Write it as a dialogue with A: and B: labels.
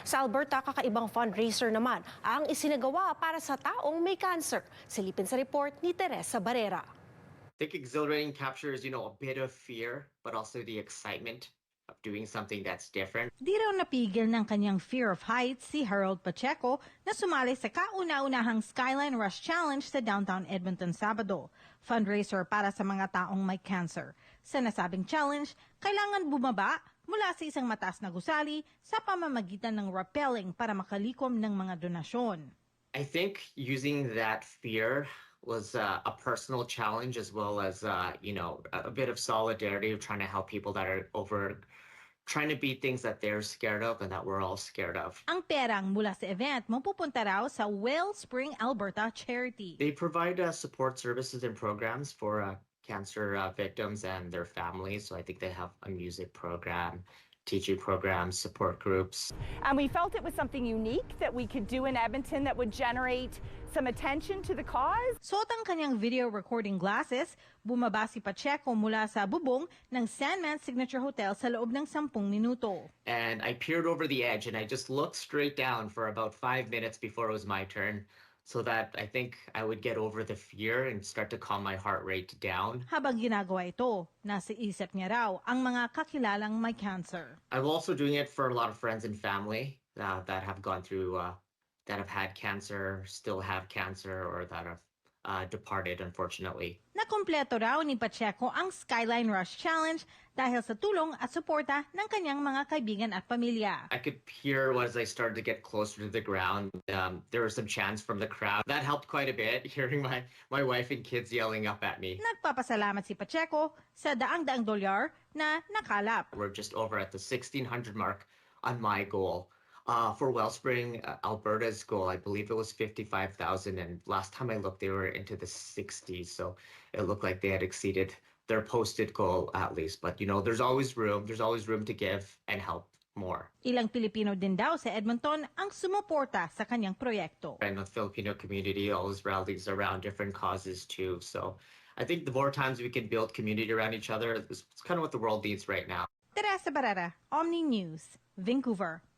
A: Sa Alberta, kakaibang fundraiser naman ang isinagawa para sa taong may cancer. Silipin sa report ni Teresa Barrera.
B: I think exhilarating captures, a bit of fear, but also the excitement of doing something that's different.
C: Di raw napigil ng kanyang fear of heights si Harold Pacheco na sumali sa kauna-unahang Skyline Rush Challenge sa downtown Edmonton Sabado. Fundraiser para sa mga taong may cancer. Sa nasabing challenge, kailangan bumaba mula sa isang mataas na gusali sa pamamagitan ng rappelling para makalikom ng mga donasyon.
B: I think using that fear was a personal challenge as well as, a bit of solidarity of trying to help people that are trying to beat things that they're scared of and that we're all scared of.
C: Ang perang mula sa event mapupunta raw sa Wellspring Alberta Charity.
B: They provide support services and programs for cancer victims and their families. So I think they have a music program, teaching programs, support groups.
D: And we felt it was something unique that we could do in Edmonton that would generate some attention to the cause.
C: Suot ang kanyang video recording glasses, bumaba si Pacheco mula sa bubong ng Sandman Signature Hotel sa loob ng 10 minuto.
B: And I peered over the edge and I just looked straight down for about 5 minutes before it was my turn, so that I think I would get over the fear and start to calm my heart rate down.
C: Habang ginagawa ito, nasa isip niya raw ang mga kakilalang may cancer.
B: I'm also doing it for a lot of friends and family that have gone through, that have had cancer, still have cancer, or that have departed, unfortunately.
C: Nakumpleto raw ni Pacheco ang Skyline Rush Challenge dahil sa tulong at suporta ng kanyang mga kaibigan at pamilya.
B: I could hear as I started to get closer to the ground, there were some chants from the crowd. That helped quite a bit, hearing my wife and kids yelling up at me.
C: Nagpapasalamat si Pacheco sa daang-daang dolyar na nakalap.
B: We're just over at the 1,600 mark on my goal. For Wellspring, Alberta's goal, I believe it was 55,000, and last time I looked, they were into the 60s, so it looked like they had exceeded their posted goal at least. But there's always room to give and help more.
C: Ilang Pilipino din daw sa Edmonton ang sumuporta sa kanyang proyekto.
B: And the Filipino community always rallies around different causes too, so I think the more times we can build community around each other, it's kind of what the world needs right now.
C: Teresa Barrera, Omni News, Vancouver.